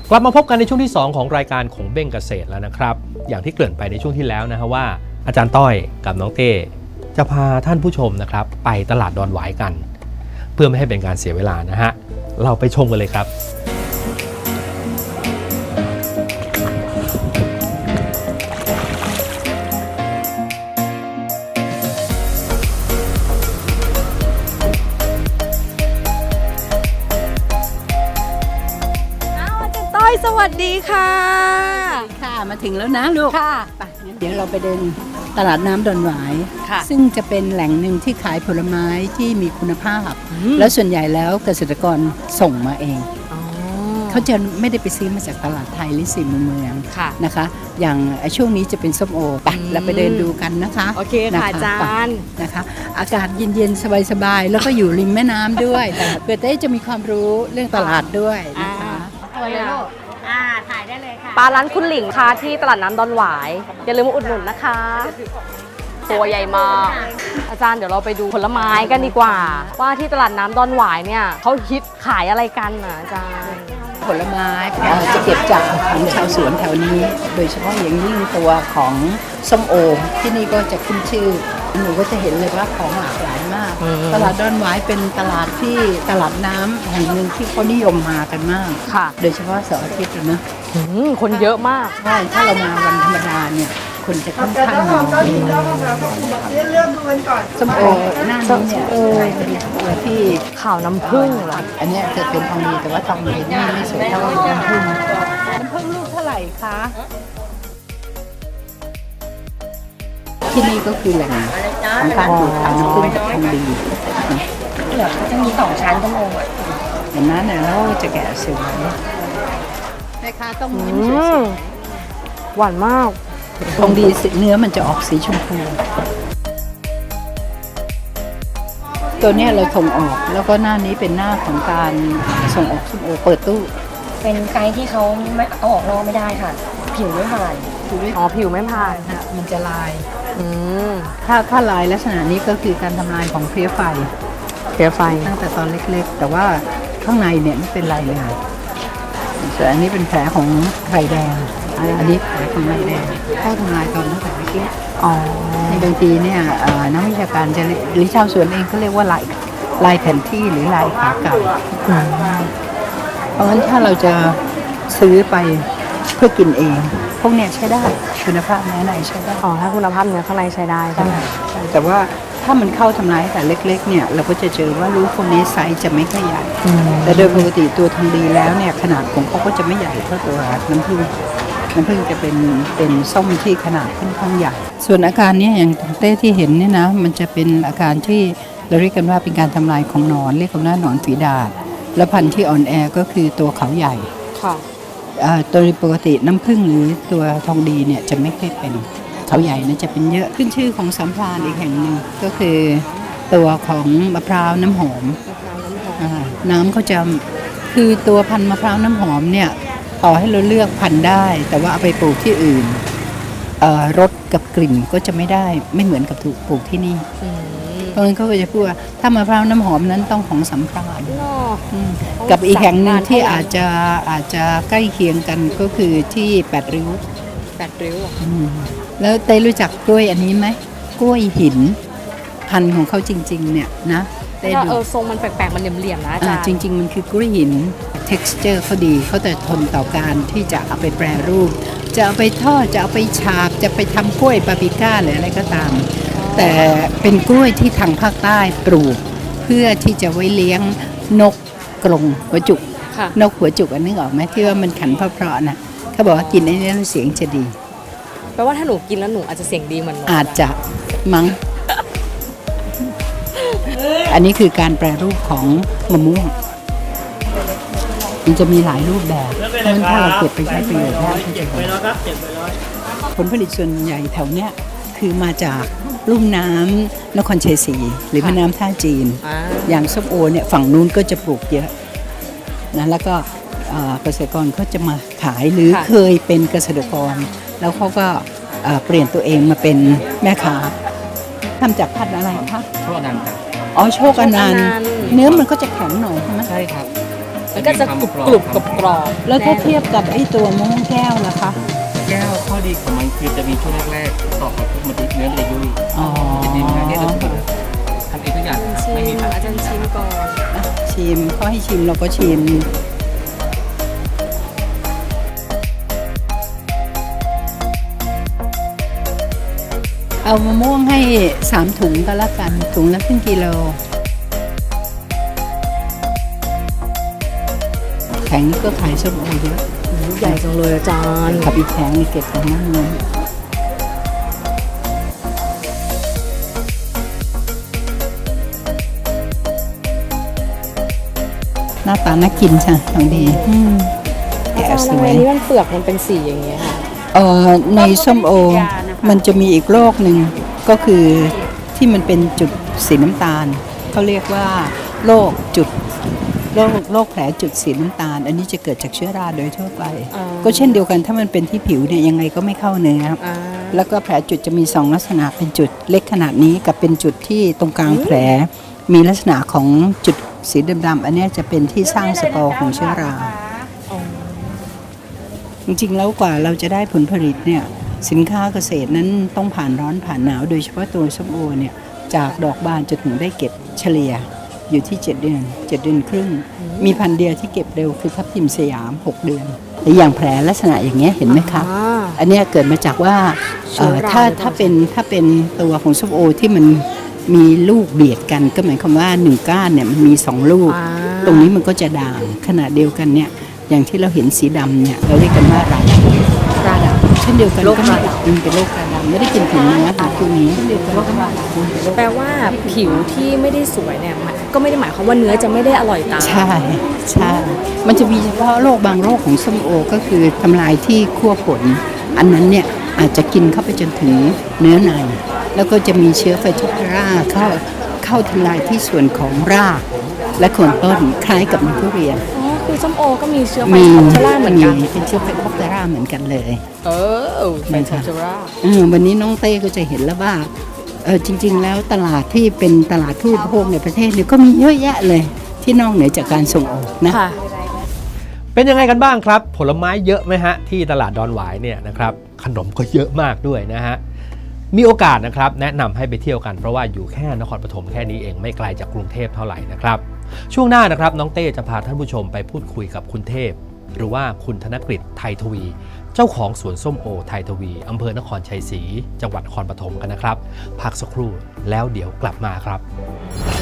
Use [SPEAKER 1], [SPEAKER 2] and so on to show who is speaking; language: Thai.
[SPEAKER 1] กลับมาพบกันในช่วงที่2ของรายการของเบ้งเกษตรแล้วนะครับอย่างที่เกริ่นไปในช่วงที่แล้วนะฮะว่าอาจารย์ต้อยกับน้องเต้จะพาท่านผู้ชมนะครับไปตลาดดอนหวายกันเพื่อไม่ให้เป็นการเสียเวลานะฮะเราไปชมกันเลยครับ
[SPEAKER 2] สวัสดีค่ะ
[SPEAKER 3] ค่ะมาถึงแล้วนะลูก
[SPEAKER 2] ค่ะ
[SPEAKER 3] ไปงั้นเดี๋ยวเราไปเดินตลาดน้ำดอนหวาย
[SPEAKER 2] ค่ะ
[SPEAKER 3] ซึ่งจะเป็นแหล่งหนึ่งที่ขายผลไม้ที่มีคุณภาพ แล้วส่วนใหญ่แล้วเกษตรกรส่งมาเองเขาจะไม่ได้ไปซื้อมาจากตลาดไทยหรือสี่มุมเมือง
[SPEAKER 2] ค่ะ
[SPEAKER 3] นะคะ อย่างช่วงนี้จะเป็นส้มโอไปเราไปเดินดูกันนะคะ
[SPEAKER 2] โอเคค่ะอาจารย์
[SPEAKER 3] นะคะ อากาศเย็นๆสบายๆแล้วก็อยู่ริมแม่น้ำด้วยเพื่อจะมีความรู้เรื่องตลาดด้วยนะคะ
[SPEAKER 4] ถ่ายได้เลยค่ะ
[SPEAKER 2] ปลาร้านคุณหลิงค่ะที่ตลาดน้ำดอนหวายอย่าลืมมาอุดหนุนนะคะตัวใหญ่มากอาจารย์เดี๋ยวเราไปดูผลไม้กันดีกว่า ว่าที่ตลาดน้ำดอนหวายเนี่ยเขาฮิตขายอะไรกันนะอาจารย์
[SPEAKER 3] ผลไม้จะเก็บจากของชาวสวนแถวนี้ โดยเฉพาะอย่างยิ่งตัวของส้มโอที่นี่ก็จะขึ้นชื่อหนูก็จะเห็นเลยว่าของหลากหลายมาก ตลาดดอนหวายเป็นตลาดที่ตลาดน้ำแห่งหนึ่งที่เขานิยมมากันมาก
[SPEAKER 2] ค่ะ
[SPEAKER 3] โดยเฉพาะเสาร์อาทิตย์นะ
[SPEAKER 2] คนเยอะมาก
[SPEAKER 3] ใช่ถ้าเรามาวันธรรมดาเนี่ยคนจะค่อนข้างน้อยส้มโอหน้านี้เนี่ยเป็นตัวที่
[SPEAKER 2] ข่าวน้ำผึ้งเหรอ
[SPEAKER 3] อันเนี้ยจะเป็นทองดีแต่ว่าทองดีนี่ไม่สวยเท่าน้ำผึ้งน้ำผึ้งลูกเท่าไหร่คะที่นี่ก็คือแหล่งของการปลูกถ่ายน้ำผึ้งกับทองดีจะมี2 ชั้นทั้งองค์เห็นไหมเนี่ยแล้วจะแกะสวยแม่ค้าต้องยิ้มสวย
[SPEAKER 2] หวานมาก
[SPEAKER 3] ๆทองดีเนื้อมันจะออกสีชมพูตัวเนี้ยเราส่งออกแล้วก็หน้านี้เป็นหน้าของการส่งออกส้มโอเปิดตู้
[SPEAKER 4] เป็นไซส์ที่เขาไม่เอาออกนอกไม่ได้ค่ะ ผิวไม่ผ่าน
[SPEAKER 2] อ๋อผิวไม่ผ่าน
[SPEAKER 3] มันจะลาย
[SPEAKER 2] อืม
[SPEAKER 3] ถ้าลายลักษณะนี้ก็คือการทำลายของเพลี้ยไฟ
[SPEAKER 2] เสียไฟ
[SPEAKER 3] ตั้งแต่ตอนเล็กๆ แต่ว่าข้างในเนี่ยไม่เป็นไรเลยส่วนอันนี้เป็นแผลของไรแดงอันนี้แผลของไรแดงเข้าทำลายตอนตั้งแต่เล็ก
[SPEAKER 2] อ๋อ
[SPEAKER 3] ๆในบางทีเนี่ยนักวิชาการจะหรือชาวสวนเองก็เรียกว่าลายแผนที่หรือลายขาเก่าเพราะฉะนั้นถ้าเราจะซื้อไปเพื่อกินเองพวกเนี้ยใช้ได้คุณภาพเนื้อในใช้ได้
[SPEAKER 2] อ๋อถ้าคุณภาพเนื้อข้างในใช้ได้ใช่ไหม
[SPEAKER 3] ใช่แต่ว่าถ้ามันเข้าทำลายแต่เล็กๆเนี่ยเราก็จะเจอว่าลูกพวกนี้ไซส์จะไม่ค่อยใหญ่แต่โดยปกติตัวทองดีแล้วเนี่ยขนาดของเขาก็จะไม่ใหญ่เท่าตัวน้ำผึ้งจะเป็นส้มที่ขนาดค่อนข้างใหญ่ส่วนอาการเนี้อย่างเต้ที่เห็นเนี่ยนะมันจะเป็นอาการที่เราเรียกกันว่าเป็นการทำลายของหนอนเรียกกันว่าหนอนฝีดาษและพันธุ์ที่อ่อนแอก็คือตัวเขาใหญ่
[SPEAKER 2] ค่ะ
[SPEAKER 3] โดยปกติน้ำผึ้งหรือตัวทองดีเนี่ยจะไม่ค่อยเป็นเขาใหญ่นะจะเป็นเยอะขึ้นชื่อของสัมพรานอีกแห่งหนึ่งก็คือตัวของมะพร้าวน้ำหอมน้ำเขาจะคือตัวพันธุ์มะพร้าวน้ำหอมเนี่ยต่อให้เราเลือกพันธุ์ได้ แต่ว่าเอาไปปลูกที่อื่นรสกับกลิ่นก็จะไม่เหมือนกับถูกปลูกที่นี่เพราะฉะนั้นเขาก็จะพูดว่าถ้ามะพร้าวน้ำหอมนั้นต้องของสัมพรานกับอีกแห่งหนึ่งที่อาจจะใกล้เคียงกันก็คือที่8 ริ้ว แล้วเต้รู้จักกล้วยอันนี้ไหมกล้วยหินพันธุ์ของเขาจริงๆเนี่ยนะเต้
[SPEAKER 2] แต่
[SPEAKER 3] ดู
[SPEAKER 2] ทรงมันแปลกๆมันเหลี่ยมๆนะอาจารย์
[SPEAKER 3] จริงๆมันคือกล้วยหิน texture เขาดีเขาแต่ทนต่อการที่จะเอาไปแปรรูป จะเอาไปทอดจะเอาไปฉาบจะไปทำกล้วยปาปริก้าหรืออะไรก็ตาม แต่เป็นกล้วยที่ทางภาคใต้ปลูก เพื่อที่จะไว้เลี้ยงนกกรงหัวจุก
[SPEAKER 2] ค่ะ
[SPEAKER 3] นกหัวจุกอันนึกออกไหมที่ว่ามันขันเพราะๆนะเขาบอกว่ากินไอ้นี่แล้วเสียงจะดี
[SPEAKER 2] แปลว่าถ้าหนูกินแล้วหนูอาจจะเสียงดีเหมือนหนู
[SPEAKER 3] อาจจะมั้ง อันนี้คือการแปรรูปของมะม่วงมันจะมีหลายรูปแบบเพราะฉะนั้นถ้าเราเก็บไปใช้ประโยชน์ได้ก็จะดีผลผลิตส่วนใหญ่แถวเนี้ยคือมาจากลุ่มน้ำนครชัยศรีหรือแม่น้ำท่าจีน อย่างส้มโอเนี่ยฝั่งนู้นก็จะปลูกเยอะนะแล้วก็เกษตรกรเขาจะมาขายหรือเคยเป็นเกษตรกรแล้วเขาก็เปลี่ยนตัวเองมาเป็นแม่ค้าทำจากพันธุ์อะไรคะ
[SPEAKER 1] โชคอนันต์ครับ
[SPEAKER 3] อ๋อโชคอนันต์เนื้อมันก็จะแข็งหน่อยใช่ไหม
[SPEAKER 1] ใช่ครับ
[SPEAKER 2] มันก็จะกรุบกรอบๆ
[SPEAKER 3] แล้วถ้าเทียบกับไอ้ตัวมะม่วงแก้วล่ะคะ
[SPEAKER 5] แก้วข้อดีของมันคือจะมีช่วงแรกๆต่อกับมันเนื้อมันจะยุ่ย
[SPEAKER 3] อ๋อ
[SPEAKER 5] จะดีมากเนี่ยเราทำเองทุกอย่างไม่มี
[SPEAKER 2] อาจารย์ชิมก่อน
[SPEAKER 3] ชิมเขาให้ชิมเราก็ชิม เอามะม่วงให้3 ถุงก็แล้วกัน ถุงละครึ่งกิโล แข็งนี่ก็ขายส้มโอเยอะ
[SPEAKER 2] ใหญ่จังเลยอาจารย์
[SPEAKER 3] กับอีกแข็งนี่เก็บของนั่นเลยหน้าตาน่ากินใช่ทองดี
[SPEAKER 2] อา
[SPEAKER 3] แกะ
[SPEAKER 2] จารย์
[SPEAKER 3] ส
[SPEAKER 2] ทำไม
[SPEAKER 3] วย
[SPEAKER 2] นี่มันเปลือกมันเป็นสีอย่างเงี้ยค่ะ
[SPEAKER 3] ในส้มโอ มันจะมีอีกโรคหนึ่งก็คือที่มันเป็นจุดสีน้ำตาลเขาเรียกว่าโรคแผลจุดสีน้ำตาล อันนี้จะเกิดจากเชื้อราโดยทั่วไป
[SPEAKER 2] อ๋อ
[SPEAKER 3] ก็เช่นเดียวกันถ้ามันเป็นที่ผิวเนี่ยยังไงก็ไม่เข้าเนื้อ
[SPEAKER 2] อ่า
[SPEAKER 3] แล้วก็แผลจุดจะมี2ลักษณะเป็นจุดเล็กขนาดนี้กับเป็นจุดที่ตรงกลางแผลมีลักษณะของจุดสีดำๆอันเนี้ยจะเป็นที่สร้างสปอร์ของเชื้อรา จริงๆแล้วกว่าเราจะได้ผลผลิตเนี่ยสินค้าเกษตรนั้นต้องผ่านร้อนผ่านหนาวโดยเฉพาะตัวส้มโอเนี่ยจากดอกบานจนถึงได้เก็บเฉลี่ยอยู่ที่7 เดือน7 เดือนครึ่ง มีพันธุ์เดียวที่เก็บเร็วคือทับทิมสยาม6 เดือนแต่อย่างแผลลักษณะอย่างเงี้ยเห็นไหมคะ
[SPEAKER 2] อ่า
[SPEAKER 3] อันเนี้ยเกิดมาจากว่า
[SPEAKER 2] เชื้อรา
[SPEAKER 3] ถ้าเป็นตัวของส้มโอที่มันมีลูกเบียดกันก็หมายความว่า1 ก้านเนี่ยมันมี2 ลูก
[SPEAKER 2] อ่า
[SPEAKER 3] ตรงนี้มันก็จะด่างขนาดเดียวกันเนี่ยอย่างที่เราเห็นสีดำเนี่ยเราเรียกกันว่าราดำ
[SPEAKER 2] ราดำ
[SPEAKER 3] เช่นเดียวกัน
[SPEAKER 2] โรค
[SPEAKER 3] ก็
[SPEAKER 2] รา
[SPEAKER 3] ไม่
[SPEAKER 2] ดำ
[SPEAKER 3] เป็นโรคราดำไม่ได้กินถึงเนื้อค่ะตัวนี้เช่นเดียวกันก็ราดำ
[SPEAKER 2] แปลว่าผิวที่ไม่ได้สวยเนี่ยมันก็ไม่ได้หมายความว่าเนื้อจะไม่ได้อร่อยตาม
[SPEAKER 3] ใช่ใช่มันจะมีเฉพาะโรคบางโรคของส้มโอก็คือทำลายที่ขั้วผล อันนั้นเนี่ยอาจจะกินเข้าไปจนถึงเนื้อในแล้วก็จะมีเชื้อไฟโทพาราเข้าทำลายที่ส่วนของรากและโคนต้นคล้ายกับในทุเรียน
[SPEAKER 2] อ๋อคือส้มโอก็มีเชื้อไฟ
[SPEAKER 3] มี
[SPEAKER 2] คอปเทอร่าเหมือนกัน
[SPEAKER 3] เป็นเชื้อไฟโทพาราเหมือนกันเลย
[SPEAKER 2] ไฟคอปเทอร่า
[SPEAKER 3] วันนี้น้องเต้ก็จะเห็นแล้วว่าจริงๆแล้วตลาดที่เป็นตลาดผู้บริโภคในประเทศเนี่ยก็มีเยอะแยะเลยที่นอกเหนือจากการส่งออกนะ
[SPEAKER 2] ค่ะ
[SPEAKER 1] เป็นยังไงกันบ้างครับ ผลไม้เยอะไหมฮะที่ตลาดดอนหวายเนี่ยนะครับขนมก็เยอะมากด้วยนะฮะมีโอกาสนะครับแนะนำให้ไปเที่ยวกันเพราะว่าอยู่แค่นครปฐมแค่นี้เองไม่ไกลจากกรุงเทพเท่าไหร่นะครับช่วงหน้านะครับน้องเต้จะพาท่านผู้ชมไปพูดคุยกับคุณเทพหรือว่าคุณธนกฤษไทยทวี เจ้าของสวนส้มโอไทยทวีอำเภอนครชัยศรีจังหวัดนครปฐมกันนะครับพักสักครู่แล้วเดี๋ยวกลับมาครับ